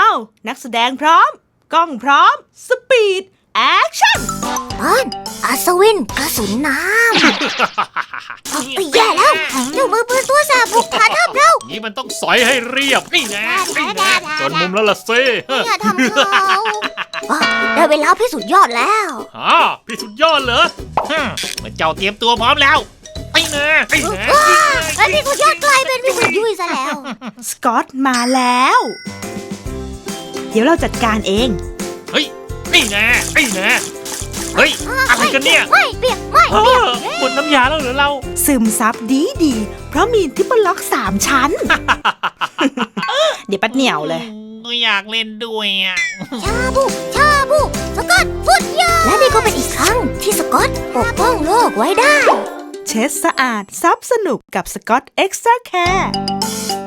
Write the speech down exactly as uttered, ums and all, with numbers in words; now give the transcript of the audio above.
าวนักแสดงพร้อมกล้องพร้อมสปีดแอคชั่นตอนอัศวินกระสุนน้ำไอ้แย่แล้วเจ้ามือปืนตัวแสบบุกฐานทัพเรานี่มันต้องสอยให้เรียบนี่แน่นี่แน่จนมุมแล้วล่ะซิอย่าทำเขาได้เวลาพิสูจน์ยอดแล้วฮะพี่สุดยอดเหรอเมื่อเจ้าเตรียมตัวพร้อมแล้วไอ้แน่ไอ้แน่แล้วพี่สุดยอดกลายเป็นพี่สุดยุ่ยซะแล้วสกอตมาแล้วเดี๋ยวเราจัดการเองเฮ้ยไอ้แน่ไอ้แน่เฮ้ยอะไรกันเนี่ยไม่เปียกไม่เปียกหมดน้ำยาแล้วเหรอเราซึมซับดีดีเพราะมีทิปเปิลล็อกสามชั้น เดี๋ยวปัดเหนียวเลยอยากเล่นด้วยอ่ะชาบูชาบูสกอตสุดยอดและนี่ก็เป็นอีกครั้งที่สกอตปกป้องโลกไว้ได้เช็ดสะอาดซับสนุกกับสกอตเอ็กซ์ตร้าแคร์